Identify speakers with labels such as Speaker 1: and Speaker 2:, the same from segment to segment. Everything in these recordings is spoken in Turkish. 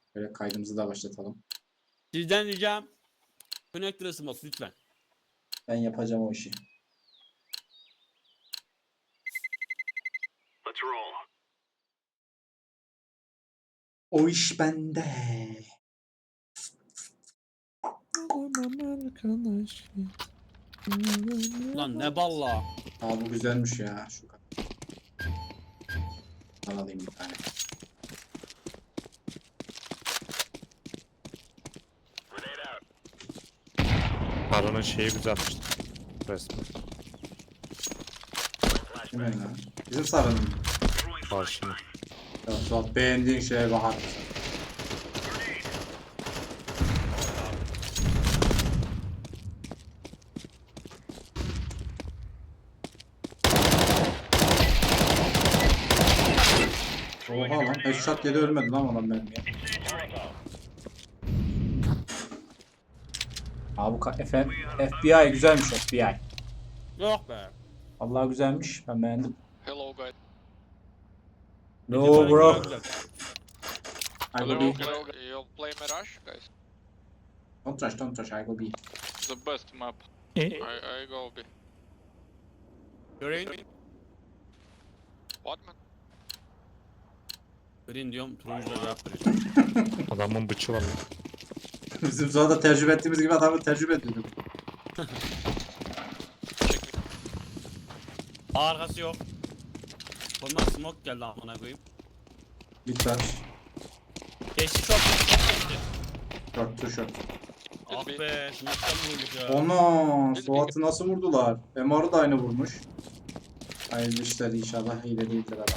Speaker 1: Böyle kaydımızı da başlatalım.
Speaker 2: Sizden ricam connector ısınması lütfen.
Speaker 1: Ben yapacağım o işi.
Speaker 3: Let's roll.
Speaker 1: O iş bende.
Speaker 2: Lan ne balla.
Speaker 1: Aa bu güzelmiş ya. Şu kadar. Ben alayım bir tane.
Speaker 3: Grenade out.
Speaker 4: Baron'un şeyi güzelmiş. Resmen.
Speaker 1: Hemen lan. Bizim sarının.
Speaker 3: Throwing
Speaker 4: Karşına.
Speaker 1: Ya Suat beğendiğin şeye bakar mısın? Oha lan. Headshot yedi ölmedi lan adam benim ya. Abi bu FBI güzelmiş FBI.
Speaker 2: Yok be.
Speaker 1: Vallahi güzelmiş. Ben beğendim.
Speaker 5: Hello guys.
Speaker 1: No bro. I
Speaker 5: Hello,
Speaker 1: go B.
Speaker 5: hello. You'll play Mirage, guys.
Speaker 1: Don't trash. I go B.
Speaker 5: The best map.
Speaker 4: E?
Speaker 5: I go B.
Speaker 2: Green.
Speaker 5: What man?
Speaker 2: Green diyorum. Turuncu da cevap veriyor.
Speaker 4: Adamın bıçı var lan.
Speaker 1: Bizim sonra da tecrübe ettiğimiz gibi adamı tecrübe ediyorduk.
Speaker 2: Arkası yok. Bundan smoke geldi amına koyayım.
Speaker 1: Lütfen.
Speaker 2: Geçti çok geçti.
Speaker 1: Short to short.
Speaker 2: Ah be smoke'tan vurduk ya.
Speaker 1: Ona Suat'ı nasıl vurdular? MR'ı da aynı vurmuş. Hayırlı işler inşallah hile değildir adam.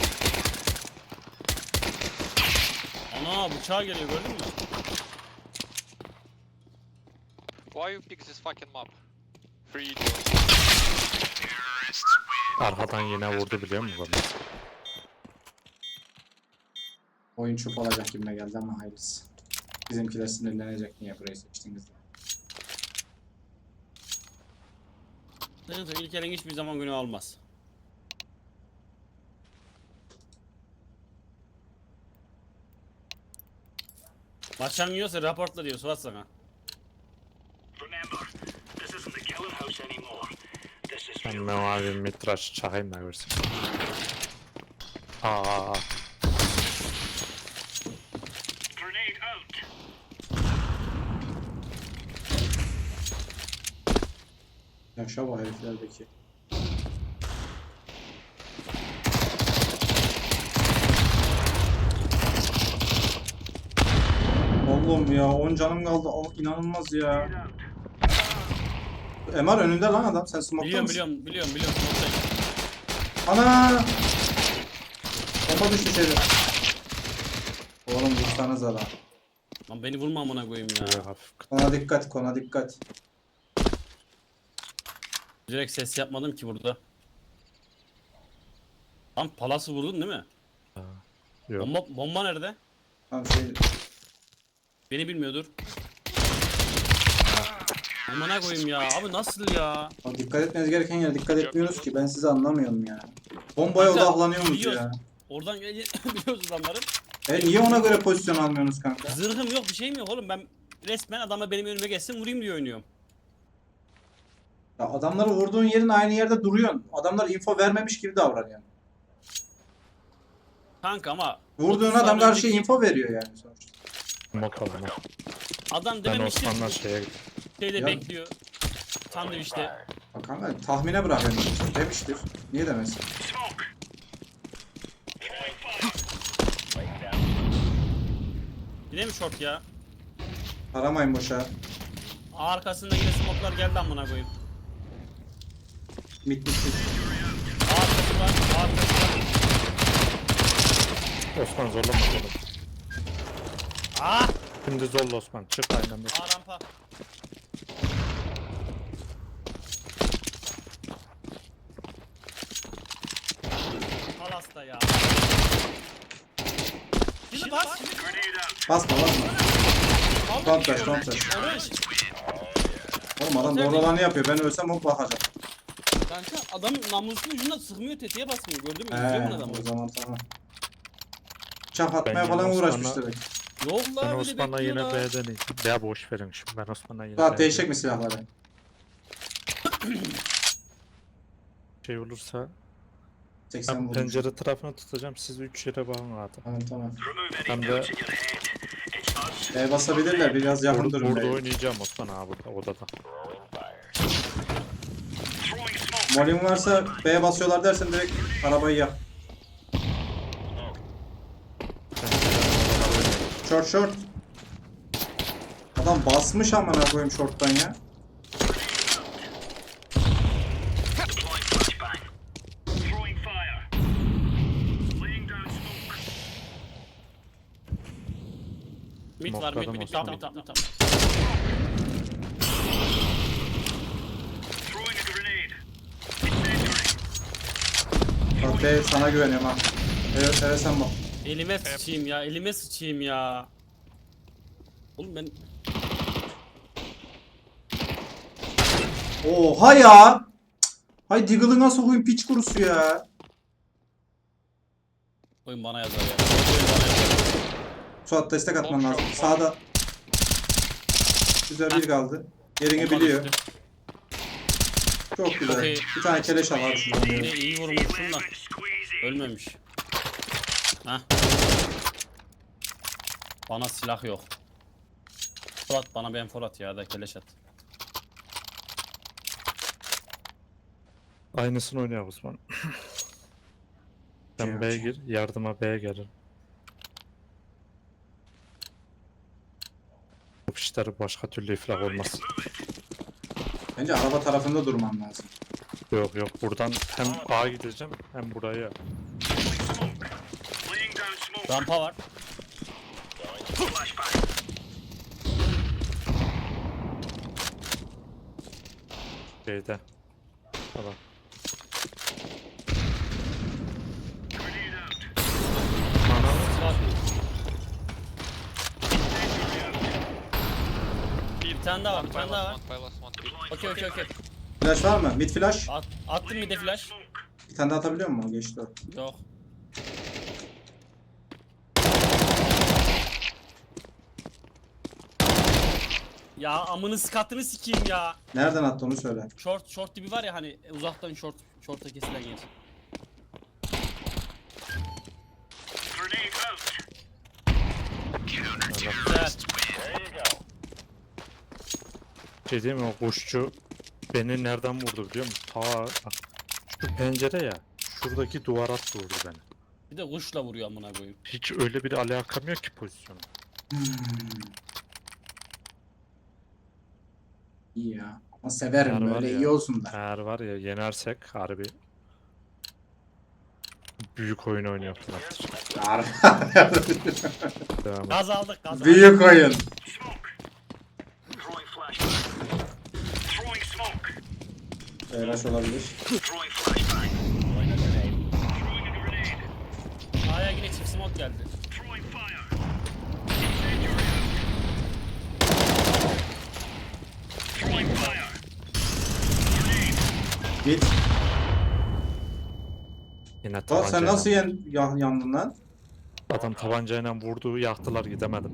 Speaker 2: Ana bıçağı geliyor gördün mü?
Speaker 5: Why you pick this fucking map? Free.
Speaker 4: Arkadan yine vurdu biliyor musun bana?
Speaker 1: Oyun çöp olacak gibime geldi ama hayırlısı. Bizimkiler sinirlenecek niye burayı seçtiniz diye.
Speaker 2: Sıkıntı ilk elin hiçbir zaman günü olmaz. Maçan yiyorsa raportla diyor Suat sana.
Speaker 3: Remember, this isn't the killing house anymore. This is
Speaker 4: Ben
Speaker 3: real.
Speaker 4: mavi mitraş çakayım da görsün. Aa,
Speaker 3: Grenade out.
Speaker 1: Yaşa bu heriflerdeki. Oğlum ya 10 canım kaldı. İnanılmaz ya. MR önünde lan adam. Sen smoke'ta mısın?
Speaker 2: Biliyorum. Smoke'tayım.
Speaker 1: Ana! Bomba düştü içeri. Oğlum vursanız adam.
Speaker 2: Lan beni vurma amına koyayım ya.
Speaker 4: böyle hafif.
Speaker 1: Kona dikkat.
Speaker 2: Direkt ses yapmadım ki burada. Lan palası vurdun değil mi?
Speaker 4: Yok.
Speaker 2: Bomba nerede?
Speaker 1: Tamam
Speaker 2: Beni bilmiyordur. Amına koyayım ya. Abi nasıl ya?
Speaker 1: Abi dikkat etmeniz gereken yere dikkat etmiyoruz ki. Ben sizi anlamıyorum ya. Bombaya
Speaker 2: Kanka,
Speaker 1: odaklanıyorsunuz
Speaker 2: biliyoruz.
Speaker 1: ya.
Speaker 2: Oradan biliyoruz adamları.
Speaker 1: Niye ona göre pozisyon almıyorsunuz kanka?
Speaker 2: Zırhım yok bir şeyim yok oğlum. Ben resmen adama benim önüme geçsin vurayım diye oynuyorum.
Speaker 1: Ya adamları vurduğun yerin aynı yerde duruyorsun. Adamlar info vermemiş gibi davranıyor.
Speaker 2: Kanka ama
Speaker 1: Vurduğun
Speaker 2: 30
Speaker 1: adam
Speaker 2: saniye
Speaker 1: karşıya
Speaker 2: önceki
Speaker 1: info veriyor yani sonuçta.
Speaker 4: Mod alalım.
Speaker 2: Adam
Speaker 4: Ben
Speaker 2: dememiştir
Speaker 4: Osman'la şeye gittim.
Speaker 2: şeyde
Speaker 1: Ya.
Speaker 2: bekliyor. Sandviçte.
Speaker 1: Bak kanka tahmine bırakıyorum. Demiştir. Niye demesin?
Speaker 3: Smoke. Throwing fire.
Speaker 2: Yine mi short ya?
Speaker 1: Aramayın boşa.
Speaker 2: Arkasında yine smoke'lar geldi amına koyayım.
Speaker 1: Mit.
Speaker 2: Arkası var.
Speaker 4: Osman zorlama oğlum.
Speaker 2: Ah!
Speaker 4: Şimdi zorla Osman. Çık aynen de.
Speaker 2: A rampa. Palasta ya. Şimdi bas.
Speaker 3: Grenade out.
Speaker 1: Basma. Don't touch.
Speaker 2: Orange.
Speaker 1: Oğlum adam doğru olanı yapıyor. Ben ölsem o bakacak.
Speaker 2: Kanka adam namuslu ucunda sıkmıyor tetiğe basmıyor gördün mü? İzliyor mu adamı?
Speaker 1: O zaman tamam. Bıçak atmaya
Speaker 4: Ben
Speaker 1: falan
Speaker 4: yalnız
Speaker 1: uğraşmış
Speaker 4: sana-
Speaker 1: demek.
Speaker 2: Yok
Speaker 4: Ben
Speaker 2: la bir de
Speaker 4: Osman'la yine
Speaker 2: bekliyor la.
Speaker 4: B'den iyiyim. B boş verin şimdi. Ben Osman'la yine
Speaker 1: Suat
Speaker 4: B'den
Speaker 1: değişecek mi silahları?
Speaker 4: şey olursa
Speaker 1: 80
Speaker 4: ben
Speaker 1: vurmuş.
Speaker 4: pencere tarafını tutacağım. Siz 3 yere bakın abi.
Speaker 1: Tamam tamam.
Speaker 3: Remove any
Speaker 4: Hem de
Speaker 3: doubts in your head. It's us.
Speaker 1: Basabilirler biraz yakın
Speaker 4: burada,
Speaker 1: durun.
Speaker 4: burada
Speaker 1: B'ye.
Speaker 4: oynayacağım Osman abi burada odada.
Speaker 3: Throwing smoke.
Speaker 1: Molin varsa B'ye basıyorlar dersen direkt arabayı yak. Short short. Adam basmış amına koyayım short'tan ya.
Speaker 3: Deploying flashbang. Throwing fire. Laying down smoke.
Speaker 2: Mid var mid
Speaker 4: Smokladım
Speaker 2: mid
Speaker 4: Osman.
Speaker 2: tamam tamam.
Speaker 3: Throwing a grenade. Incendiary.
Speaker 1: Bak B sana güveniyorum ha. Evet, evet sen bak.
Speaker 2: Elime sıçayım ya elime sıçayım ya. Oğlum ben
Speaker 1: Oha ya. Cık. Hay Diggle'ı nasıl koyayım piç kurusu ya.
Speaker 2: oyun bana yazar ya. Oyun bana yazar.
Speaker 1: Suat destek atman lazım. Sağda. Güzel bir kaldı. Yerini
Speaker 2: Ondan
Speaker 1: biliyor.
Speaker 2: üstü.
Speaker 1: Çok güzel.
Speaker 2: Çok iyi.
Speaker 1: Bir tane keleş al abi şuradan.
Speaker 2: Yine iyi vurmuşsun da
Speaker 3: Lemon squeezy.
Speaker 2: ölmemiş. Hah. Bana silah yok. Fırat bana ben Fırat ya da keleş at.
Speaker 4: Aynısını oynuyor Osman. Sen B'ye gir, yardıma B'ye gelin. Bu işler başka türlü iflah olmaz.
Speaker 1: Bence araba tarafında durman lazım.
Speaker 4: Yok yok buradan hem A'ya gideceğim hem buraya.
Speaker 3: Laying down smoke.
Speaker 2: Rampa var.
Speaker 3: Flashbang.
Speaker 4: Şeyde. Tamam.
Speaker 3: Grenade out.
Speaker 2: Silah. Bir tane daha var, bir tane daha var.
Speaker 5: Pilot, one
Speaker 3: Deploying
Speaker 2: Okey okey okey.
Speaker 1: Flash var mı? Mid flash.
Speaker 2: Attım bir de flash.
Speaker 3: smoke.
Speaker 1: Bir tane daha atabiliyor musun? Geçti o.
Speaker 2: Yok. Ya amını sıkattığını sikeyim ya.
Speaker 1: Nereden attı onu söyle.
Speaker 2: Short dibi var ya hani uzaktan short'a kesilen yer.
Speaker 3: Grenade out.
Speaker 2: Güzel.
Speaker 4: Şey değil mi o kuşçu beni nereden vurdu biliyor musun? Ta bak, şu pencere ya. Şuradaki duvara vurdu beni.
Speaker 2: Bir de kuşla vuruyor amına koyayım.
Speaker 4: Hiç öyle bir alakam yok ki pozisyonu.
Speaker 1: İyi ya. Ama severim
Speaker 4: Var
Speaker 1: böyle
Speaker 4: ya.
Speaker 1: iyi olsun da.
Speaker 4: Eğer var ya yenersek harbi büyük oyun oynuyorlar. Devam et.
Speaker 2: Gaz aldık gaz aldık.
Speaker 1: Büyük oyun.
Speaker 3: Smoke. Throwing flashbang. Throwing smoke.
Speaker 1: Flash olabilir.
Speaker 3: Throwing flashbang. Throwing a grenade.
Speaker 2: A'ya yine çift smoke geldi.
Speaker 3: Throwing fire. Incendiary out. Throwing fire. Grenade.
Speaker 1: Git.
Speaker 4: Yine
Speaker 1: Suat sen
Speaker 4: tabancayla.
Speaker 1: nasıl yandın lan?
Speaker 4: Adam tabancayla vurdu yaktılar gidemedim.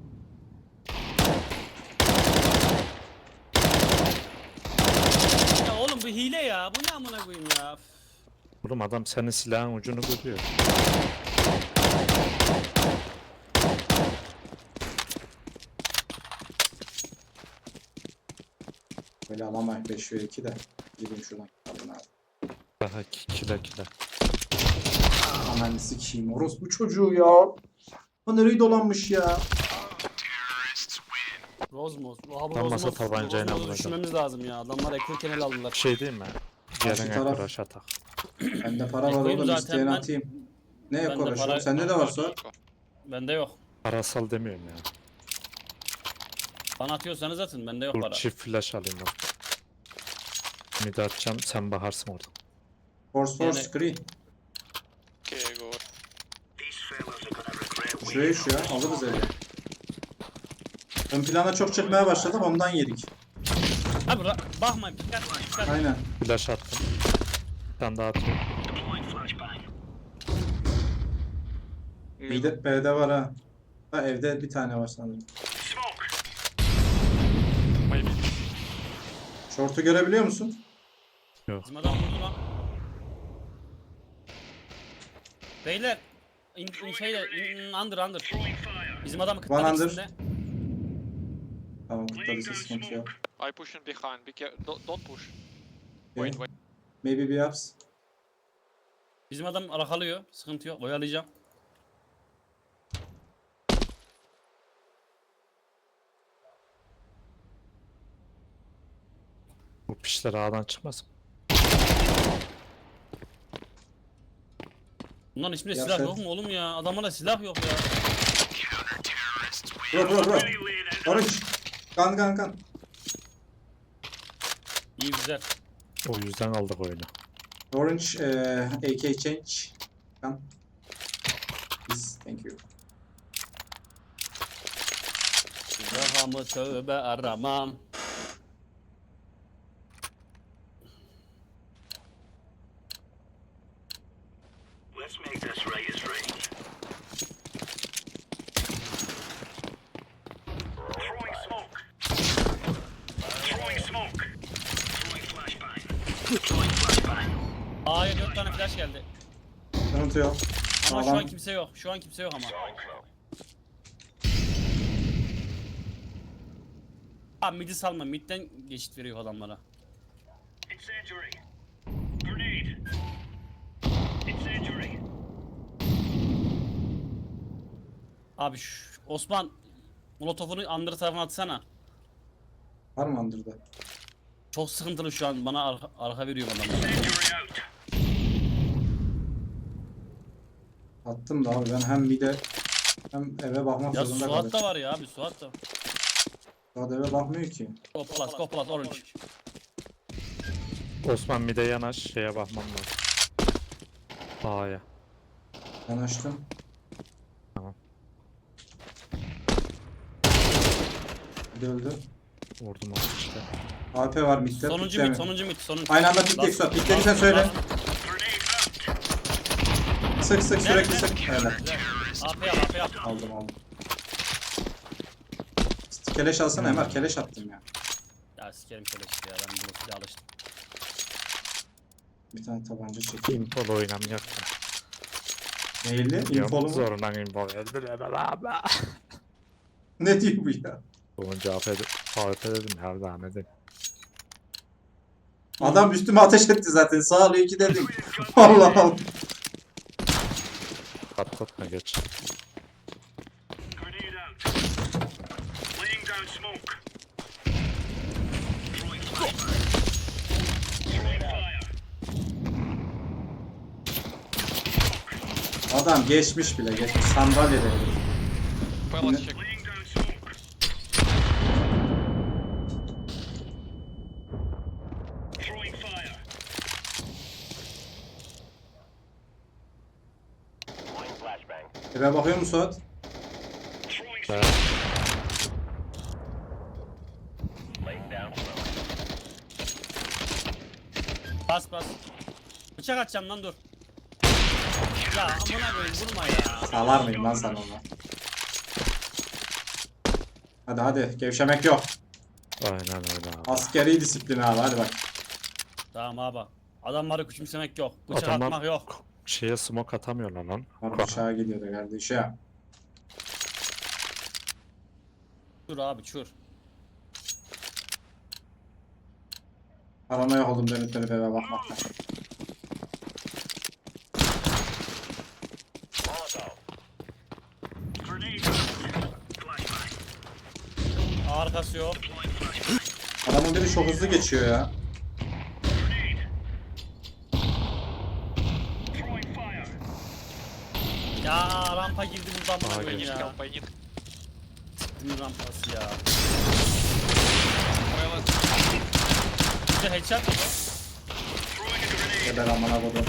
Speaker 2: Ya oğlum bu hile ya. Bu ne amına koyayım ya.
Speaker 4: Oğlum adam senin silahın ucunu görüyor.
Speaker 1: Böyle alamayız 5 ve 2 de. Gidin şuradan. Alın abi.
Speaker 4: Daha kile.
Speaker 1: Ananı sikeyim. Orospu çocuğu ya. Ha nereyi dolanmış ya.
Speaker 2: Rozmos. Abi
Speaker 4: Tam masa
Speaker 2: Rozmos.
Speaker 4: tabancayla
Speaker 2: Rozmos'u
Speaker 4: vuracağım.
Speaker 2: düşünmemiz lazım ya. Adamlar ekran kenel aldılar.
Speaker 4: Bir şey değil mi?
Speaker 1: Karşı
Speaker 4: Gelin
Speaker 1: taraf-
Speaker 4: ekuraş atak.
Speaker 1: Bende para var
Speaker 2: Ekoyum
Speaker 1: oğlum
Speaker 2: zaten
Speaker 1: isteyeni
Speaker 2: ben.
Speaker 1: atayım. Ne
Speaker 2: Bende
Speaker 1: ekoraş
Speaker 2: para-
Speaker 1: oğlum? Sende de var Suat.
Speaker 2: Bende yok.
Speaker 4: Parasal demiyorum ya.
Speaker 2: Bana atıyorsanız atın. Bende yok
Speaker 4: Dur
Speaker 2: para.
Speaker 4: çift flash alayım ben. Mid atacağım sen baharsın orada.
Speaker 1: Force
Speaker 2: Yani-
Speaker 1: screen.
Speaker 5: Okay, go.
Speaker 3: These fellas are gonna regret
Speaker 1: Şuraya şu ya. Alırız eli. Ön plana çok çıkmaya başladık ondan yedik.
Speaker 2: Abi bakmayın. Dikkat.
Speaker 1: Aynen.
Speaker 4: Flash attım. Bir tane daha atıyorum.
Speaker 3: deploying flashbang.
Speaker 1: B'de var ha. Ha, evde bir tane var sanırım.
Speaker 3: Smoke.
Speaker 5: Maybe.
Speaker 1: Short'u görebiliyor musun?
Speaker 2: Bizim adam vurdu lan. Beyler. Under.
Speaker 3: Throwing fire.
Speaker 2: Bizim adamı
Speaker 1: One
Speaker 2: kıtladı
Speaker 1: under.
Speaker 2: ikisinde.
Speaker 1: Tamam, kutladıysa sıkıntı yok.
Speaker 5: I pushing behind. Don't push.
Speaker 1: Okay.
Speaker 5: Wait, wait.
Speaker 1: Maybe bir ups.
Speaker 2: Bizim adam arakalıyor. Sıkıntı yok. Oyalayacağım.
Speaker 4: Bu pişler ağdan çıkmasın.
Speaker 2: Bunların hiçbirinde
Speaker 1: Ya
Speaker 2: silah
Speaker 1: sen-
Speaker 2: yok mu oğlum ya? Adamlarda silah yok ya.
Speaker 1: Bro.
Speaker 3: Really laid out.
Speaker 1: Orange. Kan.
Speaker 2: İyi güzel.
Speaker 4: O yüzden aldık oyunu.
Speaker 1: Orange AK change. Kan. Please, thank you.
Speaker 2: Rahamı tövbe aramam.
Speaker 3: Let's make this right as rain. Throwing smoke. Throwing smoke. Throwing flashbang. Throwing flashbang.
Speaker 2: A'ya 4 tane flash geldi.
Speaker 1: Sıkıntı yok.
Speaker 2: Ama şu
Speaker 1: Adam-
Speaker 2: an kimse yok. Şu an kimse yok ama. Abi midi salma. Midden geçit veriyor adamlara.
Speaker 3: Incendiary. Grenade. Incendiary.
Speaker 2: Abi Osman Molotov'unu under tarafına atsana.
Speaker 1: Var mı Under'da?
Speaker 2: Çok sıkıntılı şu an. Bana arka veriyor adamlar.
Speaker 3: Incendiary out.
Speaker 1: Attım da abi ben hem bir de hem eve bakmak
Speaker 2: Ya
Speaker 1: zorunda
Speaker 2: Suat
Speaker 1: kaldım.
Speaker 2: da var ya abi Suat da.
Speaker 1: Suat eve bakmıyor ki.
Speaker 2: Go plus orange.
Speaker 4: Osman bir de yanaş şeye bakmam lazım. A'ya.
Speaker 1: Ben açtım.
Speaker 4: Tamam.
Speaker 1: Bir de öldü.
Speaker 4: Vurdum onu işte.
Speaker 1: AP var midde.
Speaker 2: Sonuncu
Speaker 1: pikleme.
Speaker 2: mid, sonuncu mid, sonuncu.
Speaker 1: Aynı anda pikleyek Suat. Piklediysen söyle.
Speaker 3: Grenade out.
Speaker 1: Sık sürekli sık. Öyle.
Speaker 2: AP yap.
Speaker 1: Aldım. Keleş alsana Emar. Keleş attım ya.
Speaker 2: Ya sikerim keleşti ya. Ben bunu silah alıştım.
Speaker 1: Bir tane tabanca çekeyim.
Speaker 4: Impol oynamayak da.
Speaker 1: Neyli? İmpolu mu?
Speaker 4: Zorundan impol geldi.
Speaker 1: Ne diyor bu ya?
Speaker 4: Sonuncu AFP dedim her zaman dedim.
Speaker 1: Adam üstüme ateş etti zaten. Sağ ol 2 dedim. Allah Allah.
Speaker 4: Patlatma geç.
Speaker 3: Grenade out. Laying down smoke. Throwing flashbang. Throwing fire.
Speaker 1: Adam geçmiş bile geçmiş. Sandalyede.
Speaker 5: Well, let's check.
Speaker 3: Laying down smoke. Throwing fire. Laying flashbang.
Speaker 1: Eve bakıyor musun Suat?
Speaker 3: Throwing
Speaker 4: Evet.
Speaker 3: smoke. Laying down smoke.
Speaker 2: Bas. Bıçak atacağım lan dur. Ya amına koyayım vurma ya.
Speaker 1: Salar mıyım lan sen onu? Hadi gevşemek yok.
Speaker 4: Aynen öyle abi.
Speaker 1: Askeri disiplin abi hadi bak.
Speaker 2: Tamam abi. Adamları küçümsemek yok. Bıçak
Speaker 4: Adamlar-
Speaker 2: atmak yok.
Speaker 4: Şeye smoke atamıyorlar lan.
Speaker 1: Var bıçağa gidiyordu kardeşim.
Speaker 2: Çur abi çur.
Speaker 1: Paranoya oldum dönüp eve bakmaktan.
Speaker 3: Grenade out. Flashbang.
Speaker 2: Arkası yok.
Speaker 3: Deploying flashbang.
Speaker 1: Adamın biri çok hızlı geçiyor ya.
Speaker 3: Grenade. Throwing fire.
Speaker 2: Ya rampa girdi buradan
Speaker 4: Aa,
Speaker 2: bana koyayım
Speaker 5: I need
Speaker 2: ya.
Speaker 5: help. I need.
Speaker 2: Ne rampası ya.
Speaker 5: Well, let's.
Speaker 2: Bir de headshot mı bu?
Speaker 3: Throwing a grenade.
Speaker 1: Geber amına kodum.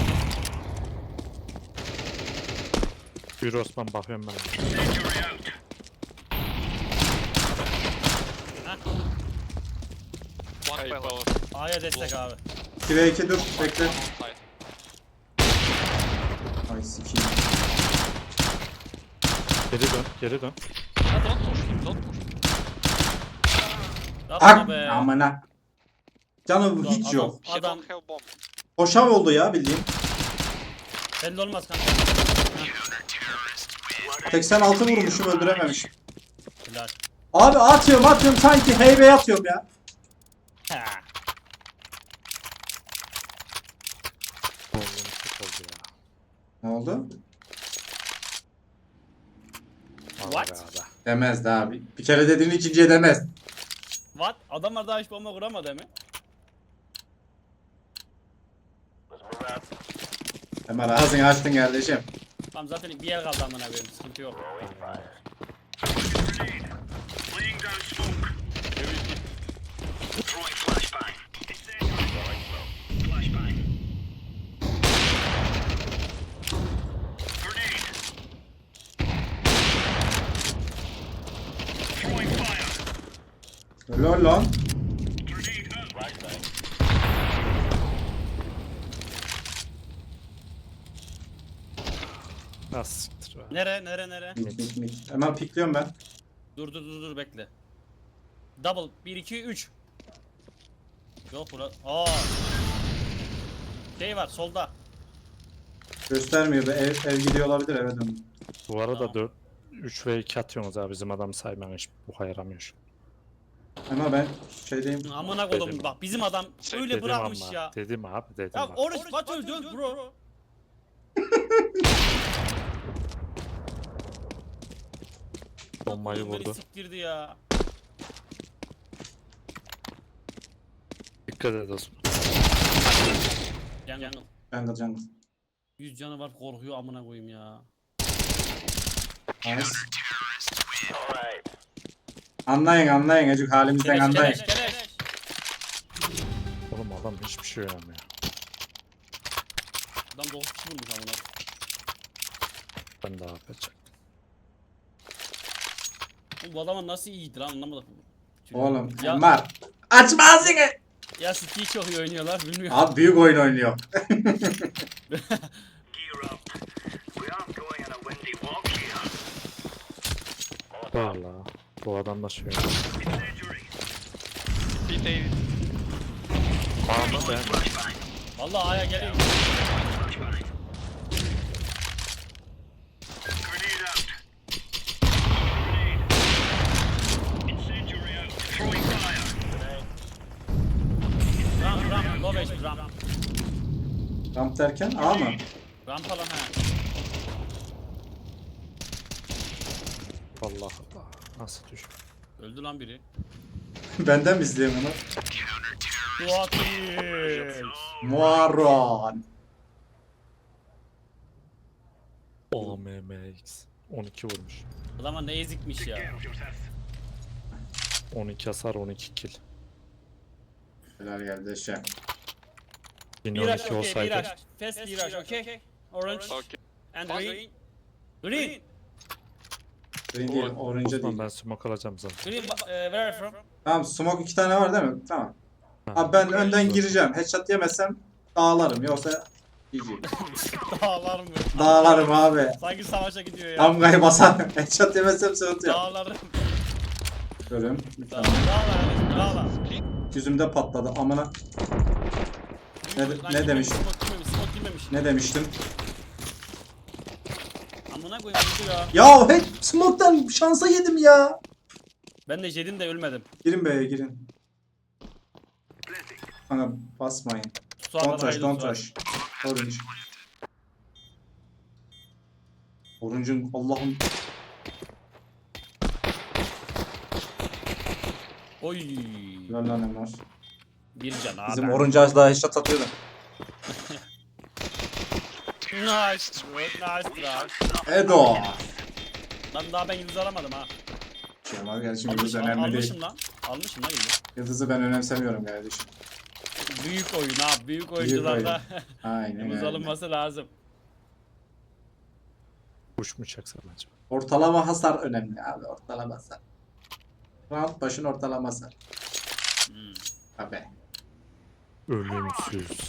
Speaker 4: Yürü Osman bakıyorum ben.
Speaker 3: Incendiary out.
Speaker 5: One
Speaker 4: Hey,
Speaker 5: pilot.
Speaker 2: A'ya destek abi.
Speaker 1: 2v2 dur bekle.
Speaker 5: On side.
Speaker 1: Ay sikiyim.
Speaker 4: Geri dön, geri dön.
Speaker 5: Ah, don't push him, don't push.
Speaker 2: Yapma
Speaker 1: Ak
Speaker 2: be.
Speaker 1: amına. Canım hiç
Speaker 2: Adam-
Speaker 1: yok.
Speaker 5: He
Speaker 2: Adam-
Speaker 5: don't have bomb.
Speaker 1: Koşam oldu ya bildiğin.
Speaker 2: Belli olmaz kanka.
Speaker 1: 86 vurmuşum öldürememişim.
Speaker 2: Helal.
Speaker 1: Abi atıyorum sanki heybeye atıyorum ya.
Speaker 2: Ha.
Speaker 4: Oğlum çok oldu ya.
Speaker 1: Ne oldu?
Speaker 4: Vallahi
Speaker 2: What?
Speaker 4: be abi.
Speaker 1: Demez de abi. Bir kere dediğin ikinciye demez.
Speaker 2: What? Adamlar daha hiç bomba kuramadı mi?
Speaker 1: Hemen ağzını açtın kardeşim.
Speaker 2: Tamam zaten bir yer kaldı amına koyayım. Sıkıntı yok.
Speaker 3: Laying down smoke. Throwing flashbang. Flashbang. Grenade. Throwing fire.
Speaker 1: Lol lan.
Speaker 3: Grenade out.
Speaker 4: Nasıl siktir be.
Speaker 2: Nere?
Speaker 1: Mik. Hemen pikliyorum ben.
Speaker 2: Dur bekle. Double 1 2 3. Yok bura. Şey var solda.
Speaker 1: Göstermiyor da ev gidiyor olabilir eve dön.
Speaker 4: Bu arada
Speaker 2: Tamam.
Speaker 4: 3 ve 2 atıyorsunuz abi bizim adam sayman hiç bu yaramıyor şu.
Speaker 1: Ama ben şeydeyim.
Speaker 2: Amına koydum
Speaker 4: Dedim.
Speaker 2: bak bizim adam öyle
Speaker 4: Dedim
Speaker 2: bırakmış
Speaker 4: ama,
Speaker 2: ya.
Speaker 4: Dedim abi dedim
Speaker 2: Ya
Speaker 4: abi.
Speaker 2: oruç kaç öldü bro.
Speaker 4: Bombayı
Speaker 2: Beni
Speaker 4: vurdu.
Speaker 2: siktirdi ya.
Speaker 4: Dikkat et Osman.
Speaker 2: Jungle.
Speaker 1: Jungle.
Speaker 2: 100 canı var korkuyor amına koyayım ya.
Speaker 1: Nice. Anlayın acık halimizden anlayın.
Speaker 2: Keleş.
Speaker 4: Oğlum adam hiçbir şey oynamıyor.
Speaker 2: Adam 9 kişi vurmuş amına.
Speaker 4: Ben de yapacak.
Speaker 2: Oğlum bu adamın nasıl iyiydi lan anlamadım.
Speaker 1: Oğlum
Speaker 2: Ya,
Speaker 1: var. Açma ağzını.
Speaker 2: ya City'yi çok iyi oynuyorlar bilmiyorum.
Speaker 1: Abi büyük oyun oynuyor.
Speaker 3: Gear up. We aren't going on a windy walk here.
Speaker 4: Valla. Bu adam da şey oynuyor.
Speaker 3: Incendiary.
Speaker 5: P-Day.
Speaker 4: Ama ben
Speaker 3: Flashbang.
Speaker 2: Vallahi aya geliyor.
Speaker 3: Flashbang. Grenade out. Grenade. Incendiary out. Throwing fire.
Speaker 2: Ram, low range ram.
Speaker 1: Ramp derken A mı?
Speaker 2: Ram falan ha.
Speaker 4: Allah Allah. Nasıl düşün?
Speaker 2: Öldü lan biri.
Speaker 1: Benden mi izleyeyim onu?
Speaker 2: What is?
Speaker 1: Muaron.
Speaker 4: OMMX. 12 vurmuş.
Speaker 2: Adama ne ezikmiş ya.
Speaker 3: Get yourself.
Speaker 4: 12 hasar 12 kill.
Speaker 1: Helal kardeşim.
Speaker 4: Yine
Speaker 2: Mirage
Speaker 4: 12
Speaker 2: okay,
Speaker 4: olsaydı.
Speaker 2: Mirage. Fast Mirage okay. Orange
Speaker 5: Okay.
Speaker 2: and green. Green.
Speaker 1: Green değil, orange
Speaker 4: Osman
Speaker 1: değil.
Speaker 4: ben smoke alacağım zaten.
Speaker 2: Green where are you from?
Speaker 1: Tamam smoke 2 tane var değil mi? Tamam.
Speaker 4: Ha.
Speaker 1: Abi ben önden gireceğim. Headshot yemezsem dağlarım. Yoksa GG.
Speaker 2: Dağlar mı?
Speaker 1: Dağlarım abi.
Speaker 2: Sanki savaşa gidiyor ya.
Speaker 1: Damgayı basar. Headshot yemezsem sıkıntı yok.
Speaker 2: Dağlarım.
Speaker 1: Görüm.
Speaker 2: Dağlar. Dağlar.
Speaker 1: Yüzümde patladı. Amına. Ne demiş?
Speaker 2: Smoke girmemiş.
Speaker 1: Ne demiştim?
Speaker 2: Amına koyayım öldü ya.
Speaker 1: Ya hey, smoke'tan şansa yedim ya.
Speaker 2: Ben de yedim de ölmedim.
Speaker 1: Girin B'ye girin. Kanka basmayın. Don't rush, don't rush. Orange. Orange'ın Allah'ım.
Speaker 2: Oy.
Speaker 1: Lan lan Emar.
Speaker 2: Bir can abi.
Speaker 1: Bizim Orange az daha headshot atıyordu.
Speaker 2: Nice. Nice.
Speaker 1: Edo.
Speaker 2: Lan daha ben yıldız alamadım ha.
Speaker 1: Kemal kardeşim yıldız önemli değil.
Speaker 2: Almışım lan. Almışım lan yıldız.
Speaker 1: Yıldızı ben önemsemiyorum kardeşim.
Speaker 2: Büyük oyun ha. Büyük oyuncularda
Speaker 1: Aynen
Speaker 2: yıldız
Speaker 1: öyle.
Speaker 2: alınması lazım.
Speaker 4: Kuş mu çaksan acaba?
Speaker 1: Ortalama hasar önemli abi. Ortalama hasar. Round başın ortalaması. Abi.
Speaker 4: Ölümsüz.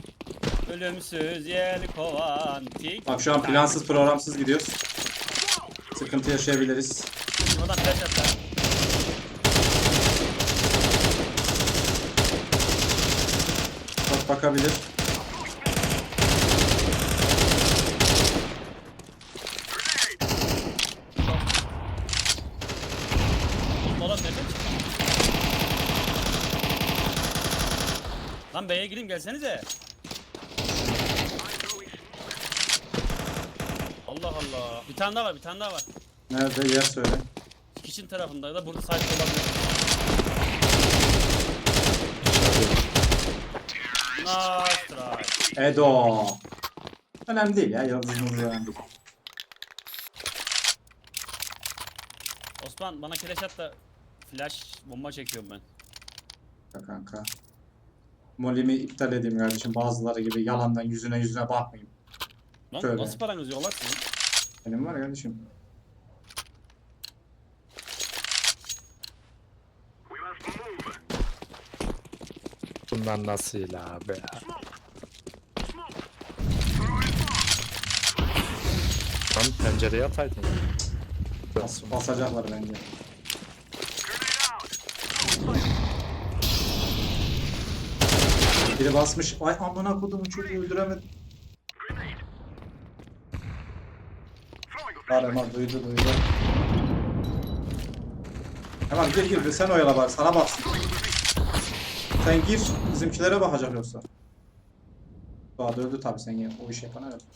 Speaker 2: Ölümsüz yelkovan tik.
Speaker 1: Bak şu an plansız programsız gidiyoruz. Sıkıntı yaşayabiliriz.
Speaker 2: Buradan flash atlar.
Speaker 1: Bak bakabilir.
Speaker 2: Oğlum nereden çıktın? Lan B'ye gireyim gelsenize. Allah Allah. Bir tane daha var, bir tane daha var.
Speaker 1: Nerede yer söyle.
Speaker 2: Kitchen tarafında ya da burada sahip olabilir. Nice try.
Speaker 1: Edo. Önemli değil ya. Yıldızımız önemli değil.
Speaker 2: Osman bana keleş at da flash bomba çekiyorum ben.
Speaker 1: Bak kanka. Molimi iptal edeyim kardeşim. Bazıları gibi yalandan yüzüne bakmayayım.
Speaker 2: Lan
Speaker 1: Şöyle.
Speaker 2: nasıl paranız yok lan sizin?
Speaker 1: Benim var ya kardeşim.
Speaker 3: We must move.
Speaker 4: Bunlar nasıl abi ya? Lan pencereye ataydın.
Speaker 1: Basacaklar bence. Biri basmış. Ay amına kodumu çocuğu öldüremedim. Var Emar duydu. Emar gir sen oyala bari sana baksın. Sen gir bizimkilere bakacak yoksa. Doğa da öldü tabi sen ya o iş yapan evet.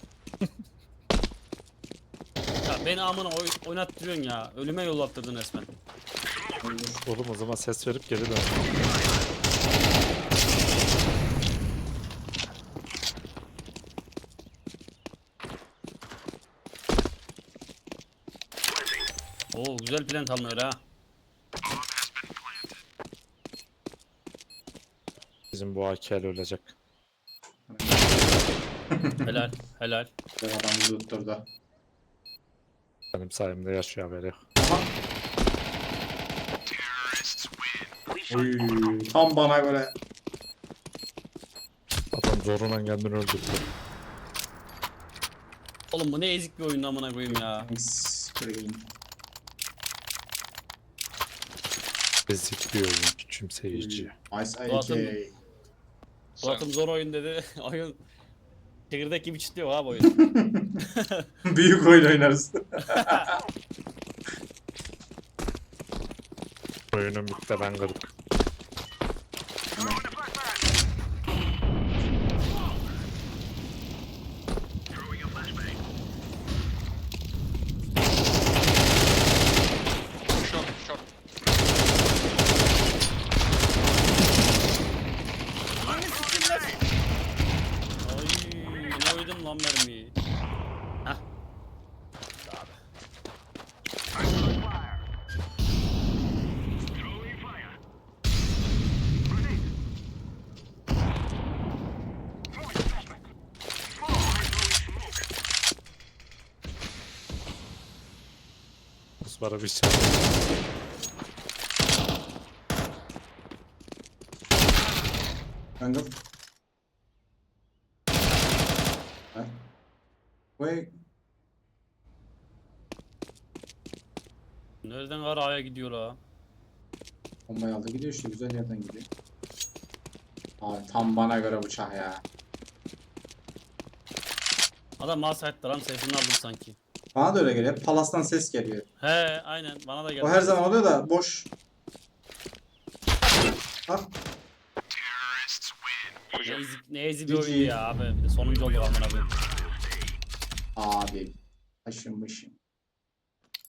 Speaker 2: Ya beni amına oynattırıyorsun ya. Ölüme yollattırdın resmen.
Speaker 4: Oğlum o zaman ses verip geri dön.
Speaker 2: Oo güzel plant alınıyor ha.
Speaker 4: Bizim bu AK'li ölecek.
Speaker 2: Helal, helal.
Speaker 1: Bir adam vurdu.
Speaker 4: Benim sayemde yaşıyor haberi yok.
Speaker 1: Aha. Oy, tam bana göre.
Speaker 4: Adam zoruna kendini öldürdü.
Speaker 2: Oğlum bu ne ezik bir oyun amına koyayım ya.
Speaker 1: Screen.
Speaker 4: Ezik bir oyun, küçümseyici.
Speaker 1: Ice
Speaker 2: Doğatım.
Speaker 1: AK.
Speaker 2: Suatım zor oyun dedi. Oyun çekirdek gibi çitliyor abi oyun.
Speaker 1: Büyük oyun oynarız.
Speaker 4: Oyunun bitti ben kırdım.
Speaker 5: Short, short.
Speaker 2: Ay ne oydum lan mermiyi. Hah.
Speaker 3: Throwing fire. Throwing flashbang. Throwing smoke.
Speaker 4: Osman'a bir şey.
Speaker 1: Jungle. Ha? Vay.
Speaker 2: Nereden araya gidiyor ha?
Speaker 1: Bombayı aldı gidiyor işte güzel yerden gidiyor. Abi tam bana göre bıçak ya.
Speaker 2: Adam malsaytlar lan sesini aldım sanki.
Speaker 1: Bana da öyle geliyor. Hep Palas'tan ses geliyor.
Speaker 2: He aynen bana da geldi.
Speaker 1: O her zaman oluyor da boş. Bak.
Speaker 2: Ne ezik bir oyun ya abi. Bir de sonuncu olduk amına koyayım.
Speaker 1: Abi. Taşınmışım.